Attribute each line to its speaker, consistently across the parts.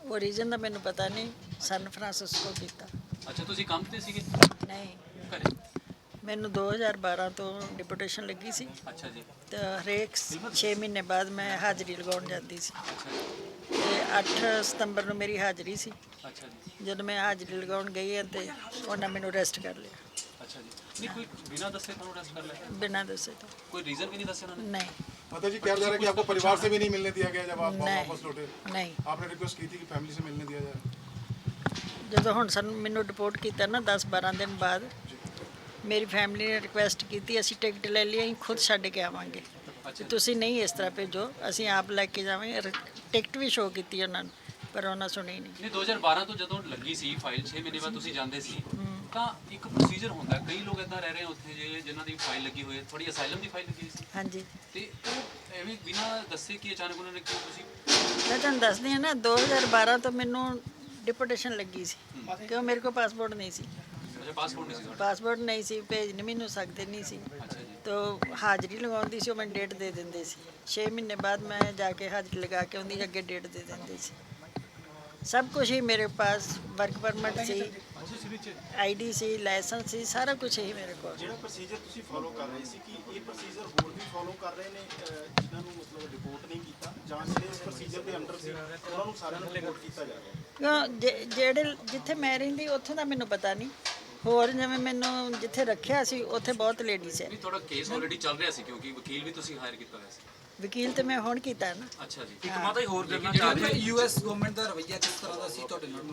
Speaker 1: ਉਹ ਰੀਜ਼ਨ ਦਾ ਮੈਨੂੰ ਪਤਾ ਨਹੀਂ। ਸਨ ਫਰਾਂਸਿਸਕੋ ਕੀਤਾ।
Speaker 2: ਅੱਛਾ, ਤੁਸੀਂ ਕੰਮ ਤੇ ਸੀਗੇ
Speaker 1: ਨਹੀਂ,
Speaker 2: ਘਰੇ?
Speaker 1: ਮੈਨੂੰ 2012 ਤੋਂ ਡਿਪੂਟੇਸ਼ਨ ਲੱਗੀ ਸੀ
Speaker 2: ਅੱਛਾ ਜੀ।
Speaker 1: ਤੇ ਹਰੇਕ 6 ਮਹੀਨੇ ਬਾਅਦ ਮੈਂ ਹਾਜ਼ਰੀ ਲਗਾਉਣ ਜਾਂਦੀ ਸੀ
Speaker 2: ਅੱਛਾ ਜੀ।
Speaker 1: ਤੇ 8 ਸਤੰਬਰ ਨੂੰ ਮੇਰੀ ਹਾਜ਼ਰੀ ਸੀ।
Speaker 2: ਅੱਛਾ ਜੀ।
Speaker 1: ਜਦੋਂ ਮੈਂ ਹਾਜ਼ਰੀ ਲਗਾਉਣ ਗਈ ਤੇ ਉਹਨਾਂ ਮੈਨੂੰ ਅਰੈਸਟ ਕਰ ਲਿਆ
Speaker 2: ਅੱਛਾ ਜੀ। ਨਹੀਂ, ਕੋਈ ਬਿਨਾਂ ਦੱਸੇ ਤੁਹਾਨੂੰ ਅਰੈਸਟ ਕਰ ਲਿਆ?
Speaker 1: ਬਿਨਾਂ ਦੱਸੇ ਤੋਂ।
Speaker 2: ਕੋਈ ਰੀਜ਼न भी नहीं दसे उन्होंने?
Speaker 1: नहीं
Speaker 3: माता जी, कहा जा रहा है कि आपको परिवार से भी नहीं मिलने दिया गया जब आप
Speaker 1: नहीं।
Speaker 3: वापस लौटे?
Speaker 1: नहीं।
Speaker 3: आपने रिक्वेस्ट की थी कि फैमिली से मिलने दिया जाए?
Speaker 1: ਜਦੋਂ ਹੁਣ ਸਾਨੂੰ ਮੈਨੂੰ ਰਿਪੋਰਟ ਕੀਤਾ ਨਾ 10-12 ਦਿਨ ਬਾਅਦ ਮੇਰੀ ਫੈਮਿਲੀ ਨੇ ਰਿਕੁਐਸਟ ਕੀਤੀ ਅਸੀਂ ਟਿਕਟ ਲੈ ਲਈ, ਅਸੀਂ ਖੁਦ ਛੱਡ ਕੇ ਆਵਾਂਗੇ ਤੇ ਤੁਸੀਂ ਨਹੀਂ ਇਸ ਤਰ੍ਹਾਂ ਭੇਜੋ, ਅਸੀਂ ਆਪ ਲੈ ਕੇ ਜਾਵਾਂਗੇ। ਟਿਕਟ ਵੀ ਸ਼ੋਅ ਕੀਤੀ ਉਹਨਾਂ ਨੂੰ ਪਰ ਉਹਨਾਂ ਸੁਣੀ ਨਹੀਂ।
Speaker 2: ਨਹੀਂ, 2012 ਤੋਂ ਜਦੋਂ ਲੱਗੀ ਸੀ ਫਾਈਲ 6 ਮਹੀਨੇ ਬਾਅਦ ਤੁਸੀਂ ਜਾਂਦੇ ਸੀ ਤਾਂ ਇੱਕ ਪ੍ਰੋਸੀਜਰ ਹੁੰਦਾ, ਕਈ ਲੋਕ ਇਦਾਂ ਰਹਿ ਰਹੇ ਉੱਥੇ ਜਿਨ੍ਹਾਂ ਦੀ ਫਾਈਲ ਲੱਗੀ ਹੋਈ ਹੈ, ਥੋੜੀ ਅਸਾਈਲਮ ਦੀ ਫਾਈਲ ਲੱਗੀ ਸੀ
Speaker 1: ਹਾਂਜੀ,
Speaker 2: ਤੇ ਉਹ ਐਵੇਂ ਬਿਨਾਂ ਦੱਸੇ ਕਿ ਅਚਾਨਕ ਉਹਨਾਂ ਨੇ ਕਿਉਂ ਤੁਸੀਂ?
Speaker 1: ਮੈਂ ਤੁਹਾਨੂੰ ਦੱਸਦੀ ਹਾਂ ਨਾ 2012 ਤੋਂ ਮੈਨੂੰ ਡਿਪੋਟੇਸ਼ਨ ਲੱਗੀ ਸੀ ਕਿਉਂ ਮੇਰੇ ਕੋਲ ਪਾਸਪੋਰਟ ਨਹੀਂ ਸੀ।
Speaker 2: ਅੱਛਾ, ਪਾਸਪੋਰਟ ਨਹੀਂ ਸੀ ਤੁਹਾਡਾ?
Speaker 1: ਪਾਸਪੋਰਟ ਨਹੀਂ ਸੀ, ਭੇਜ ਨਹੀਂ ਮੈਨੂੰ ਸਕਦੇ ਨਹੀਂ ਸੀ।
Speaker 2: ਅੱਛਾ ਜੀ।
Speaker 1: ਤਾਂ ਹਾਜ਼ਰੀ ਲਗਾਉਂਦੀ ਸੀ, ਉਹ ਮੈਨੂੰ ਡੇਟ ਦੇ ਦਿੰਦੇ ਸੀ। 6 ਮਹੀਨੇ ਬਾਅਦ ਮੈਂ ਜਾ ਕੇ ਹਾਜ਼ਰੀ ਲਗਾ ਕੇ ਉਹਦੀ ਅੱਗੇ ਡੇਟ ਦੇ ਦਿੰਦੇ ਸੀ। ਸਭ ਕੁਝ ਹੀ ਮੇਰੇ ਪਾਸ, ਵਰਕ ਪਰਮਿਟ ਸੀ, ਆਈਡੀ ਸੀ, ਲਾਇਸੈਂਸ ਸੀ, ਸਾਰਾ ਕੁਝ ਹੀ ਮੇਰੇ ਕੋਲ।
Speaker 4: ਜਿਹੜਾ ਪ੍ਰੋਸੀਜਰ ਤੁਸੀਂ ਫੋਲੋ ਕਰ ਰਹੇ ਸੀ ਕਿ ਇਹ ਪ੍ਰੋਸੀਜਰ ਹੋਰ ਵੀ ਫੋਲੋ ਕਰ ਰਹੇ ਨੇ ਜਿਨ੍ਹਾਂ ਨੂੰ ਮਤਲਬ ਰਿਪੋਰਟ ਨਹੀਂ ਕੀਤਾ ਜਾਂ ਜਿਹੜੇ ਇਸ ਪ੍ਰੋਸੀਜਰ ਦੇ ਅੰਡਰ ਸੀ ਉਹਨਾਂ ਨੂੰ ਸਾਰਿਆਂ ਨੂੰ ਰਿਪੋਰਟ ਕੀਤਾ ਜਾ ਰਿਹਾ?
Speaker 1: ਕਿਉਂ ਜਿਹੜੇ ਜਿੱਥੇ ਮੈਂ ਰਹਿੰਦੀ ਉੱਥੋਂ ਦਾ ਮੈਨੂੰ ਪਤਾ ਨਹੀਂ, ਹੋਰ ਜਿਵੇਂ ਮੈਨੂੰ ਜਿੱਥੇ ਰੱਖਿਆ ਸੀ ਉੱਥੇ ਬਹੁਤ ਲੇਡੀਜ਼ ਹੈ।
Speaker 2: ਨਹੀਂ, ਤੁਹਾਡਾ ਕੇਸ ਆਲਰੇਡੀ ਚੱਲ ਰਿਹਾ ਸੀ ਕਿਉਂਕਿ ਵਕੀਲ ਵੀ ਤੁਸੀਂ ਹਾਇਰ ਕੀਤਾ ਹੋਇਆ ਸੀ।
Speaker 1: ਵਕੀਲ ਤੇ ਮੈਂ ਹੁਣ ਕੀਤਾ ਨਾ।
Speaker 2: ਅੱਛਾ ਜੀ।
Speaker 5: ਇੱਕ ਮਾਤਾ ਹੀ ਹੋਰ ਕਰਨਾ ਚਾਹ ਰਹੀ ਯੂਐਸ ਗਵਰਨਮੈਂਟ ਦਾ ਰਵੱਈਆ ਕਿਸ ਤਰ੍ਹਾਂ ਦਾ ਸੀ ਤੁਹਾਡੇ ਨਾਲ?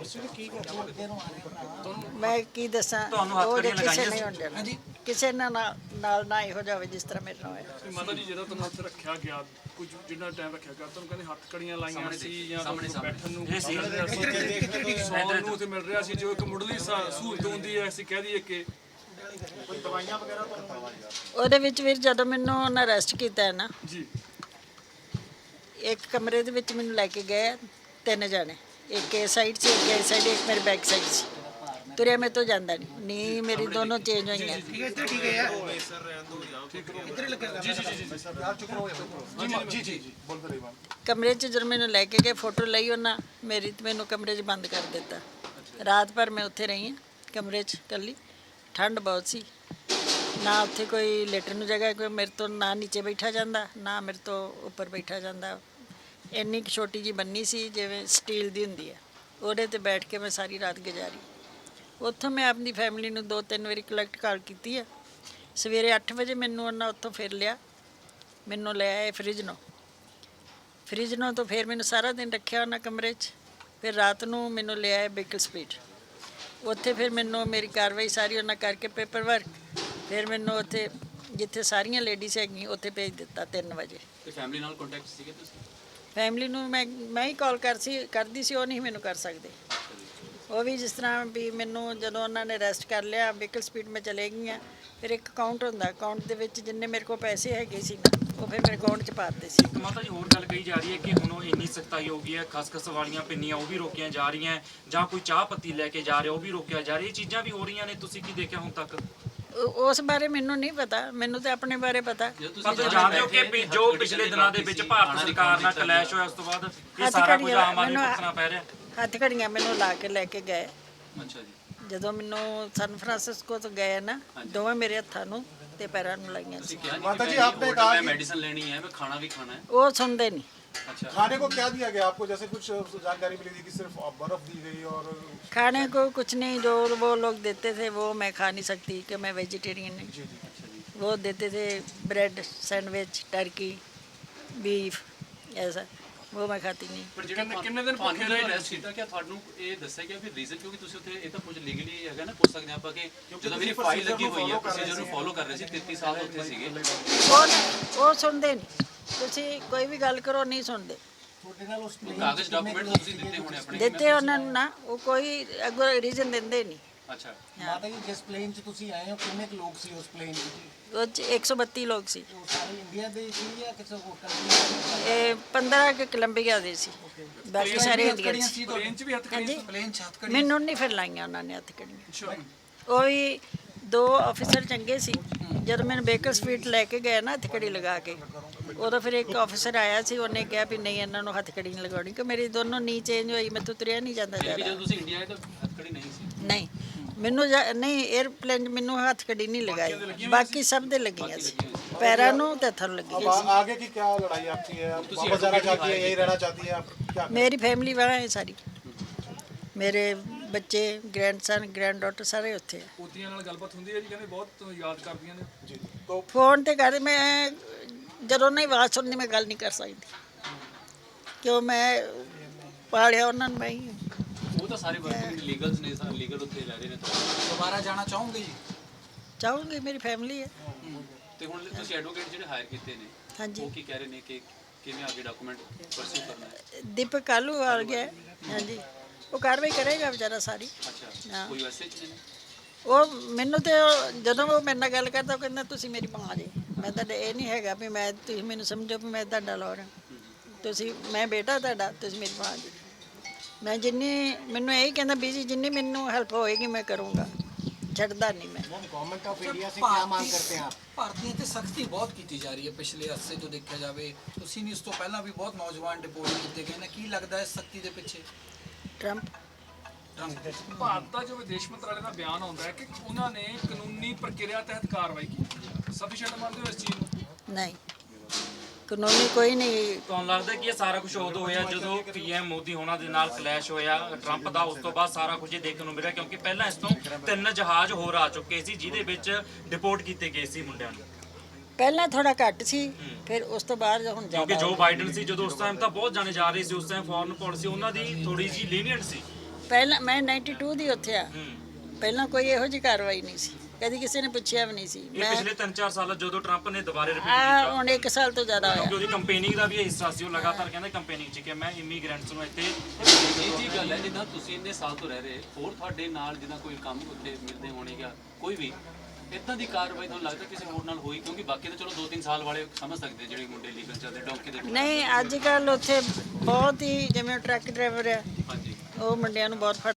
Speaker 1: ਮੈਂ ਕੀ ਦੱਸਾਂ,
Speaker 5: ਤੁਹਾਨੂੰ ਹੱਥ
Speaker 1: ਉਹ
Speaker 5: ਕੜੀਆਂ
Speaker 1: ਕਿਸੇ
Speaker 5: ਲਗਾਈਆਂ
Speaker 1: ਨਹੀਂ
Speaker 5: ਸੀ?
Speaker 1: ਹੁੰਦੇ
Speaker 5: ਹਾਂਜੀ।
Speaker 1: ਕਿਸੇ ਨਾਲ ਨਾ ਇਹੋ ਜਾਵੇ ਜਿਸ ਤਰ੍ਹਾਂ ਮੇਰੇ ਨਾਲ ਹੋਇਆ।
Speaker 6: ਮਾਤਾ ਜੀ, ਜਦੋਂ ਤੁਹਾਨੂੰ ਉੱਥੇ ਰੱਖਿਆ ਗਿਆ, ਕੁਝ ਜਿੰਨਾ ਟਾਈਮ ਰੱਖਿਆ ਗਿਆ, ਤੁਹਾਨੂੰ ਕਹਿੰਦੇ ਹੱਥ ਕੜੀਆਂ ਲਾਈਆਂ ਸੀ ਜਾਂ ਬੈਠਣ ਨੂੰ
Speaker 5: ਇਹ ਸੀ
Speaker 6: ਸੌਣ ਨੂੰ ਉੱਥੇ ਮਿਲ ਰਿਹਾ ਸੀ, ਜੋ ਇੱਕ ਮੁੱਢਲੀ ਸਹੂਲਤ ਹੁੰਦੀ ਹੈ, ਅਸੀਂ ਕਹਿ ਦਈਏ ਕਿ
Speaker 4: ਕੋਈ ਦਵਾਈਆਂ ਵਗੈਰਾ ਤੁਹਾਨੂੰ?
Speaker 1: ਉਹਦੇ ਵਿੱਚ ਵੀ ਜਦੋਂ ਮੈਨੂੰ ਉਹਨਾਂ ਅਰੈਸਟ ਕੀਤਾ ਹੈ ਨਾ,
Speaker 6: ਜੀ
Speaker 1: ਇੱਕ ਕਮਰੇ ਦੇ ਵਿੱਚ ਮੈਨੂੰ ਲੈ ਕੇ ਗਏ 3 ਜਾਣੇ, ਇੱਕ ਇਸ ਸਾਈਡ ਸੀ, ਇੱਕ ਇਸ ਸਾਈਡ, ਇੱਕ ਮੇਰੇ ਬੈਕ ਸਾਈਡ ਸੀ। ਤੁਰਿਆ ਮੇਰੇ ਤੋਂ ਜਾਂਦਾ ਨਹੀਂ, ਨੀ ਮੇਰੀ ਦੋਨੋਂ ਚੇਂਜ ਹੋਈਆਂ। ਕਮਰੇ 'ਚ ਜਦੋਂ ਮੈਨੂੰ ਲੈ ਕੇ ਗਏ, ਫੋਟੋ ਲਈ ਉਹਨਾਂ ਮੇਰੀ ਤੇ ਮੈਨੂੰ ਕਮਰੇ 'ਚ ਬੰਦ ਕਰ ਦਿੱਤਾ। ਰਾਤ ਭਰ ਮੈਂ ਉੱਥੇ ਰਹੀ ਹਾਂ ਕਮਰੇ 'ਚ ਇਕੱਲੀ। ਠੰਡ ਬਹੁਤ ਸੀ, ਨਾ ਉੱਥੇ ਕੋਈ ਲੇਟਣ ਨੂੰ ਜਗ੍ਹਾ, ਕੋਈ ਮੇਰੇ ਤੋਂ ਨਾ ਨੀਚੇ ਬੈਠਾ ਜਾਂਦਾ ਨਾ ਮੇਰੇ ਤੋਂ ਉੱਪਰ ਬੈਠਾ ਜਾਂਦਾ। ਇੰਨੀ ਕੁ ਛੋਟੀ ਜਿਹੀ ਬੰਨੀ ਸੀ ਜਿਵੇਂ ਸਟੀਲ ਦੀ ਹੁੰਦੀ ਹੈ, ਉਹਦੇ 'ਤੇ ਬੈਠ ਕੇ ਮੈਂ ਸਾਰੀ ਰਾਤ ਗੁਜ਼ਾਰੀ। ਉੱਥੋਂ ਮੈਂ ਆਪਣੀ ਫੈਮਿਲੀ ਨੂੰ 2-3 ਵਾਰੀ ਕਲੈਕਟ ਕਾਲ ਕੀਤੀ ਹੈ। ਸਵੇਰੇ 8 ਵਜੇ ਮੈਨੂੰ ਉਹਨਾਂ ਉੱਥੋਂ ਫਿਰ ਲਿਆ, ਮੈਨੂੰ ਲੈ ਆਏ ਫਰਿਜਨੋਂ ਤੋਂ ਫਿਰ ਮੈਨੂੰ ਸਾਰਾ ਦਿਨ ਰੱਖਿਆ ਉਹਨਾਂ ਕਮਰੇ 'ਚ। ਫਿਰ ਰਾਤ ਨੂੰ ਮੈਨੂੰ ਲੈ ਆਏ ਬੇਕਲ ਸਪੀਡ, ਉੱਥੇ ਫਿਰ ਮੈਨੂੰ ਮੇਰੀ ਕਾਰਵਾਈ ਸਾਰੀ ਉਹਨਾਂ ਕਰਕੇ ਪੇਪਰ ਵਰਕ, ਫਿਰ ਮੈਨੂੰ ਉੱਥੇ ਜਿੱਥੇ ਸਾਰੀਆਂ ਲੇਡੀਜ਼ ਹੈਗੀਆਂ ਉੱਥੇ ਭੇਜ ਦਿੱਤਾ 3 ਵਜੇ।
Speaker 2: ਤੇ ਫੈਮਿਲੀ ਨਾਲ ਕੰਟੈਕਟ ਸੀਗੇ ਤੁਸੀਂ?
Speaker 1: ਫੈਮਿਲੀ ਨੂੰ ਮੈਂ ਹੀ ਕਾਲ ਕਰਦੀ ਸੀ, ਉਹ ਨਹੀਂ ਮੈਨੂੰ ਕਰ ਸਕਦੇ। ਉਹ ਵੀ ਜਿਸ ਤਰ੍ਹਾਂ ਵੀ ਮੈਨੂੰ ਜਦੋਂ ਉਹਨਾਂ ਨੇ ਅਰੈਸਟ ਕਰ ਲਿਆ, ਵਹੀਕਲ ਸਪੀਡ ਮੈਂ ਚਲੇ ਗਈਆਂ, ਫਿਰ ਇੱਕ ਅਕਾਊਂਟ ਹੁੰਦਾ, ਅਕਾਊਂਟ ਦੇ ਵਿੱਚ ਜਿੰਨੇ ਮੇਰੇ ਕੋਲ ਪੈਸੇ ਹੈਗੇ ਸੀ ਨਾ ਉਹ ਫਿਰ ਮੇਰੇ ਅਕਾਊਂਟ 'ਚ ਪਾ ਦਿੱਤੇ ਸੀ।
Speaker 5: ਇੱਕ ਮਾਤਾ ਜੀ ਹੋਰ ਗੱਲ ਕਹੀ ਜਾ ਰਹੀ ਹੈ ਕਿ ਹੁਣ ਉਹ ਇੰਨੀ ਸਖਤਾਈ ਹੋ ਗਈ ਹੈ, ਖਸਖਸ ਵਾਲੀਆਂ ਪਿੰਨੀਆਂ ਉਹ ਵੀ ਰੋਕੀਆਂ ਜਾ ਰਹੀਆਂ, ਜਾਂ ਕੋਈ ਚਾਹ ਪੱਤੀ ਲੈ ਕੇ ਜਾ ਰਿਹਾ ਉਹ ਵੀ ਰੋਕਿਆ ਜਾ ਰਿਹਾ, ਇਹ ਚੀਜ਼ਾਂ ਵੀ ਹੋ ਰਹੀਆਂ ਨੇ, ਤੁਸੀਂ ਕੀ ਦੇਖਿਆ ਹੁਣ ਤੱਕ?
Speaker 1: ਉਸ ਬਾਰੇ ਮੈਨੂੰ ਨਹੀਂ ਪਤਾ, ਮੈਨੂੰ ਤਾਂ ਆਪਣੇ ਬਾਰੇ ਪਤਾ।
Speaker 5: ਪਰ ਤੁਸੀਂ ਜਾਣਦੇ ਹੋ ਕਿ ਜੋ ਪਿਛਲੇ ਦਿਨਾਂ ਦੇ ਵਿੱਚ ਭਾਰਤ ਸਰਕਾਰ ਨਾਲ ਕਲੈਸ਼ ਹੋਇਆ, ਉਸ ਤੋਂ ਬਾਅਦ ਇਹ ਸਾਰਾ ਕੁਝ ਆਮ ਆਦਮੀ ਨੂੰ ਭੁਗਤਣਾ ਪੈ ਰਿਹਾ।
Speaker 1: ਹੱਥ ਘੜੀਆਂ ਮੈਨੂੰ ਲਾ ਕੇ ਲੈ ਕੇ ਗਏ।
Speaker 2: ਅੱਛਾ ਜੀ।
Speaker 1: ਜਦੋਂ ਮੈਨੂੰ ਸਨ ਫਰਾਂਸਿਸਕੋ ਤੋਂ ਗਏ ਨਾ, ਦੋਵੇਂ ਮੇਰੇ ਹੱਥਾਂ ਨੂੰ ਤੇ ਪੈਰਾਂ ਨੂੰ ਲਾਈਆਂ ਸੀ।
Speaker 3: माता जी, आपने कहा
Speaker 2: मैं
Speaker 3: कि
Speaker 2: मेडिसिन लेनी है, मैं खाना भी खाना है।
Speaker 1: ਉਹ ਸੁਣਦੇ ਨਹੀਂ।
Speaker 2: अच्छा,
Speaker 3: खाने को क्या दिया गया आपको? जैसे कुछ जानकारी मिली थी कि सिर्फ बर्फ दी गई और
Speaker 1: खाने को कुछ नहीं, जो वो लोग देते थे वो मैं खा नहीं सकती कि मैं वेजिटेरियन नहीं। वो देते थे ब्रेड, सैंडविच, टर्की, बीफ, ऐसा वो मैं खाती नहीं।
Speaker 2: ਪਰ ਜਿਹੜੇ ਕਿੰਨੇ ਦਿਨ ਭੁੱਖੇ ਰਹੇ ਰੈਸਟ ਕੀਤਾ, ਕਿ ਤੁਹਾਨੂੰ ਇਹ ਦੱਸਿਆ ਗਿਆ ਵੀ ਰੀਜ਼ਨ ਕਿਉਂਕਿ ਤੁਸੀਂ ਉੱਥੇ ਇਹ ਤਾਂ ਕੁਝ ਲੀਗਲੀ ਹੈਗਾ ਨਾ, ਪੁੱਛ ਸਕਦੇ ਆਪਾਂ ਕਿ ਜਦੋਂ ਮੇਰੀ ਫਾਈਲ ਲੱਗੀ ਹੋਈ ਹੈ, ਪ੍ਰੋਸੀਜਰ ਨੂੰ ਫੋਲੋ ਕਰ ਰਹੇ ਸੀ, 33 ਸਾਲ ਤੋਂ ਉੱਥੇ ਸੀਗੇ।
Speaker 1: ਉਹ ਸੁਣਦੇ ਨਹੀਂ, ਤੁਸੀਂ ਕੋਈ ਵੀ ਗੱਲ ਕਰੋ ਨਹੀਂ ਸੁਣਦੇ।
Speaker 2: ਕਾਗਜ਼ ਡਾਕੂਮੈਂਟ ਤੁਸੀਂ ਦਿੱਤੇ ਹੋਣੇ ਆਪਣੇ?
Speaker 1: ਦਿੱਤੇ ਉਹਨਾਂ ਨੂੰ ਨਾ, ਉਹ ਕੋਈ ਅੱਗੋਂ ਰੀਜ਼ਨ ਦਿੰਦੇ ਨਹੀਂ।
Speaker 2: ਅੱਛਾ।
Speaker 7: ਮਾਤਾ ਜੀ, ਜਿਸ ਪਲੇਨ 'ਚ ਤੁਸੀਂ ਆਏ ਹੋ ਕਿੰਨੇ ਕੁ ਲੋਕ ਸੀ ਉਸ ਪਲੇਨ 'ਚ?
Speaker 1: ਉਹ 'ਚ 132 ਲੋਕ ਸੀ।
Speaker 7: ਉਹ ਸਾਰੇ ਇੰਡੀਆ ਦੇ ਸੀ ਜਾਂ ਕਿਸੇ ਹੋਰ ਕੰਟਰੀ
Speaker 1: ਇਹ 15 ਕੁ ਕੋਲੰਬੀਆ ਦੇ ਸੀ, ਬਾਕੀ ਸਾਰੇ ਇੰਡੀਅਨ ਸੀ।
Speaker 6: ਪਲੇਨ 'ਚ ਵੀ ਹੱਥ
Speaker 1: ਹਾਂਜੀ,
Speaker 7: ਪਲੇਨ 'ਚ ਹੱਥ ਕੜੀ?
Speaker 1: ਮੈਨੂੰ ਨਹੀਂ ਫਿਰ ਲਾਈਆਂ ਉਹਨਾਂ ਨੇ ਹੱਥ ਕੜੀਆਂ। ਉਹ ਵੀ 2 ਆਫੀਸਰ ਚੰਗੇ ਸੀ, ਜਦੋਂ ਮੈਨੂੰ ਬੇਕਰ ਸਪੀਟ ਲੈ ਕੇ ਗਏ ਨਾ ਹੱਥ ਕੜੀ ਲਗਾ ਕੇ, ਉਦੋਂ ਫਿਰ ਇੱਕ ਆਫੀਸਰ ਆਇਆ ਸੀ, ਉਹਨੇ ਕਿਹਾ ਵੀ ਨਹੀਂ ਇਹਨਾਂ ਨੂੰ ਹੱਥਕੜੀ ਨਹੀਂ ਲਗਾਉਣੀ, ਕਿ ਮੇਰੀ ਦੋਨੋਂ ਨੀ ਚੇਂਜ ਹੋਈ, ਮੈਥੋਂ ਤੁਰਿਆ ਨਹੀਂ ਜਾਂਦਾ
Speaker 2: ਫਿਰ ਵੀ
Speaker 1: ਜ਼ਿਆਦਾ।
Speaker 2: ਜਦੋਂ ਤੁਸੀਂ ਇੰਡੀਆ ਆਏ ਤਾਂ ਹੱਥਕੜੀ ਨਹੀਂ ਸੀ।
Speaker 1: ਨਹੀਂ ਮੈਨੂੰ ਨਹੀਂ 에ਅਰਪਲੇਨ 'ਚ ਮੈਨੂੰ ਹੱਥਕੜੀ ਨਹੀਂ ਲਗਾਈ, ਬਾਕੀ ਸਭ ਦੇ ਲੱਗੀਆਂ ਸੀ, ਪੈਰਾਂ ਨੂੰ ਤੇ ਹੱਥਾਂ ਨੂੰ
Speaker 3: अब
Speaker 1: ਲੱਗੀਆਂ ਸੀ।
Speaker 3: आगे की क्या लड़ाई आपकी है? आप वापस जाना चाहती है, यही रहना चाहती है, आप क्या?
Speaker 1: ਮੇਰੀ ਫੈਮਿਲੀ ਵਹਾਂ ਹੈ ਸਾਰੀ, ਮੇਰੇ ਬੱਚੇ, ਗ੍ਰੈਂਡਸਨ, ਗ੍ਰੈਂਡਡਾਟਰ ਸਾਰੇ ਉੱਥੇ ਆ।
Speaker 6: ਪੋਤੀਆਂ ਨਾਲ ਗੱਲਬਾਤ ਹੁੰਦੀ ਹੈ ਜੀ, ਕਹਿੰਦੇ ਬਹੁਤ ਯਾਦ ਕਰਦੀਆਂ ਨੇ।
Speaker 3: जी तो
Speaker 1: ਫੋਨ ਤੇ ਕਰ, ਮੈਂ ਜਦੋਂ ਨਹੀਂ ਆਵਾਜ਼ ਸੁਣਨੀ ਮੈਂ ਗੱਲ ਨਹੀਂ ਕਰ ਸਕਦੀ, ਕਿਉਂ ਮੈਂ ਪਾਲਿਆ ਉਹਨਾਂ ਨੂੰ ਮੈਂ ਹੀ।
Speaker 2: ਉਹ ਤਾਂ ਸਾਰੇ ਵਰਕਿੰਗ ਲੀਗਲਸ ਨੇ, ਸਾਰੇ ਲੀਗਲ ਉੱਥੇ ਰਹਿ ਰਹੇ ਨੇ ਤਾਂ।
Speaker 7: ਦੁਬਾਰਾ ਜਾਣਾ ਚਾਹੋਗੇ ਜੀ?
Speaker 1: ਚਾਹੂੰਗੀ, ਮੇਰੀ ਫੈਮਿਲੀ ਹੈ।
Speaker 2: ਤੇ ਹੁਣ ਤੁਸੀਂ ਐਡਵੋਕੇਟ ਜਿਹੜੇ ਹਾਇਰ ਕੀਤੇ ਨੇ
Speaker 1: ਹਾਂਜੀ,
Speaker 2: ਉਹ ਕੀ ਕਹਿ ਰਹੇ ਨੇ ਕਿ ਕਿਵੇਂ ਅੱਗੇ ਡਾਕੂਮੈਂਟ ਪਰਸਿਊ ਕਰਨਾ ਹੈ?
Speaker 1: ਦੀਪਕ ਕਾਲੂ ਆ ਗਿਆ, ਹਾਂਜੀ, ਉਹ ਕਾਰਵਾਈ ਕਰੇਗਾ ਵਿਚਾਰਾ ਸਾਰੀ।
Speaker 2: ਅੱਛਾ,
Speaker 1: ਹਾਂ।
Speaker 2: ਕੋਈ ਵੈਸੇ ਚ ਨੇ?
Speaker 1: ਉਹ ਮੈਨੂੰ ਤੇ ਜਦੋਂ ਉਹ ਮੇਰੇ ਨਾਲ ਗੱਲ ਕਰਦਾ, ਉਹ ਕਹਿੰਦਾ ਤੁਸੀਂ ਮੇਰੀ ਮਾਂ ਜੀ। ਮੈਂ ਤਾਂ ਇਹ ਨਹੀਂ ਹੈਗਾ ਵੀ ਮੈਂ, ਤੁਸੀਂ ਮੈਨੂੰ ਸਮਝੋ ਵੀ ਮੈਂ ਤੁਹਾਡਾ ਲੋਰ ਹਾਂ, ਤੁਸੀਂ, ਮੈਂ ਬੇਟਾ ਤੁਹਾਡਾ, ਤੁਸੀਂ ਮੇਰੀ ਮਾਂ ਜੀ। ਮੈਂ ਜਿੰਨੀ, ਮੈਨੂੰ ਇਹੀ ਕਹਿੰਦਾ ਵੀ ਜੀ ਜਿੰਨੀ ਮੈਨੂੰ ਹੈਲਪ ਹੋਏਗੀ ਮੈਂ ਕਰੂੰਗਾ, ਛੱਡਦਾ ਨਹੀਂ ਮੈਂ।
Speaker 7: गवर्नमेंट ऑफ इंडिया से क्या मांग करते हैं आप?
Speaker 8: ਭਾਰਤੀਆਂ ਤੇ ਸਖਤੀ ਬਹੁਤ ਕੀਤੀ ਜਾ ਰਹੀ ਹੈ ਪਿਛਲੇ ਅਰਸੇ ਤੋਂ ਦੇਖਿਆ ਜਾਵੇ। ਤੁਸੀਂ ਨਹੀਂ, ਇਸ ਤੋਂ ਪਹਿਲਾਂ ਵੀ ਬਹੁਤ ਨੌਜਵਾਨ ਡਿਪੋਰਟ ਕੀਤੇ ਗਏ ਨੇ। ਕੀ ਲੱਗਦਾ ਹੈ ਸਖਤੀ ਦੇ ਪਿੱਛੇ?
Speaker 1: ਟਰੰਪ
Speaker 6: ਭਾਰਤ ਦਾ ਜੋ ਵਿਦੇਸ਼ ਮੰਤਰਾਲੇ ਦਾ ਬਿਆਨ ਆਉਂਦਾ ਹੈ ਕਿ ਉਹਨਾਂ ਨੇ ਕਾਨੂੰਨੀ ਪ੍ਰਕਿਰਿਆ ਤਹਿਤ ਕਾਰਵਾਈ ਕੀਤੀ ਹੈ। ਸਫੀਸ਼ੀਐਂਟ ਮੰਨਦੇ ਹੋ ਇਸ ਚੀਜ਼ ਨੂੰ?
Speaker 1: ਨਹੀਂ, ਕਾਨੂੰਨੀ ਕੋਈ ਨਹੀਂ।
Speaker 5: ਤੁਹਾਨੂੰ ਲੱਗਦਾ ਕਿ ਇਹ ਸਾਰਾ ਕੁਝ ਉਦੋਂ ਹੋਇਆ ਜਦੋਂ ਪੀਐਮ ਮੋਦੀ ਹੋਣਾ ਦੇ ਨਾਲ ਕਲੈਸ਼ ਹੋਇਆ ਟਰੰਪ ਦਾ, ਉਸ ਤੋਂ ਬਾਅਦ ਸਾਰਾ ਕੁਝ ਇਹ ਦੇਖਣ ਨੂੰ ਮਿਲਿਆ? ਕਿਉਂਕਿ ਪਹਿਲਾਂ ਇਸ ਤੋਂ 3 ਜਹਾਜ਼ ਹੋਰ ਆ ਚੁੱਕੇ ਸੀ ਜਿਹਦੇ ਵਿੱਚ ਡਿਪੋਰਟ ਕੀਤੇ ਗਏ ਸੀ ਮੁੰਡਿਆਂ ਨੂੰ।
Speaker 1: ਪਹਿਲਾਂ ਥੋੜਾ ਘੱਟ ਸੀ, ਫਿਰ ਉਸ ਤੋਂ ਬਾਅਦ ਹੁਣ
Speaker 5: ਕਿਉਂਕਿ
Speaker 1: ਜ਼ਿਆਦਾ।
Speaker 5: ਜੋ ਬਾਈਡਨ ਸੀ ਜਦੋਂ ਉਸ ਟਾਈਮ ਤਾਂ ਬਹੁਤ ਜਾਣੇ ਜਾ ਰਹੇ ਸੀ, ਉਸ ਟਾਈਮ ਫੋਰਨ ਪਾਲਿਸੀ ਉਹਨਾਂ ਦੀ ਥੋੜੀ ਜਿਹੀ ਲੀਨੀਅੰਟ ਸੀ।
Speaker 1: ਪਹਿਲਾਂ ਮੈਂ 92 ਦੀ ਉੱਥੇ ਆ, ਪਹਿਲਾਂ ਕੋਈ ਇਹੋ ਜਿਹੀ ਕਾਰਵਾਈ ਨਹੀਂ ਸੀ, ਕਦੀ ਕਿਸੇ ਨੇ ਪੁੱਛਿਆ ਵੀ ਨਹੀਂ ਸੀ।
Speaker 5: ਇਹ
Speaker 1: ਮੈਂ
Speaker 5: ਪਿਛਲੇ 3-4 ਸਾਲਾਂ ਜਦੋਂ ਟਰੰਪ ਨੇ ਦੁਬਾਰੇ ਰਿਪੀਟ
Speaker 1: ਆ
Speaker 5: ਕੀਤਾ,
Speaker 1: ਹੁਣ 1 ਸਾਲ ਤੋਂ ਜ਼ਿਆਦਾ
Speaker 5: ਕਿਉਂਕਿ
Speaker 1: ਹੋਇਆ।
Speaker 5: ਉਹਦੀ ਕੰਪੇਨਿੰਗ ਦਾ ਵੀ ਇਹ ਹਿੱਸਾ ਸੀ। ਉਹ ਲਗਾਤਾਰ ਕਹਿੰਦਾ ਕੰਪੇਨਿੰਗ 'ਚ ਕਿ ਮੈਂ ਇਮੀਗ੍ਰੈਂਟਸ ਨੂੰ ਇੱਥੇ
Speaker 2: ਇਹ ਜੀ ਗੱਲ ਹੈ, ਜਿੱਦਾਂ ਤੁਸੀਂ ਇੰਨੇ ਸਾਲ ਤੋਂ ਰਹਿ ਰਹੇ, ਹੋਰ ਤੁਹਾਡੇ ਨਾਲ ਜਿੱਦਾਂ ਕੋਈ ਕੰਮ ਉੱਤੇ ਮਿਲਦੇ ਹੋਣੇ ਜਾਂ ਕੋਈ ਵੀ ਇਦਾਂ ਦੀ ਕਾਰਵਾਈ ਤੁਹਾਨੂੰ ਲੱਗਦਾ ਕਿਸੇ ਹੋਰ ਨਾਲ ਹੋਈ? ਕਿਉਂਕਿ ਬਾਕੀ ਤਾਂ ਚਲੋ 2-3 ਸਾਲ ਵਾਲੇ ਸਮਝ ਸਕਦੇ ਜਿਹੜੇ ਮੁੰਡੇ ਲੀਗਲ ਚੱਲਦੇ ਡੌਂਕੀ ਦੇ।
Speaker 1: ਨਹੀਂ, ਅੱਜ ਕੱਲ ਉੱਥੇ ਬਹੁਤ ਹੀ, ਜਿਵੇਂ ਟਰੱਕ ਡਰਾਈਵਰ ਆ,
Speaker 2: ਹਾਂਜੀ,
Speaker 1: ਉਹ ਮੁੰਡਿਆਂ ਨੂੰ ਬਹੁਤ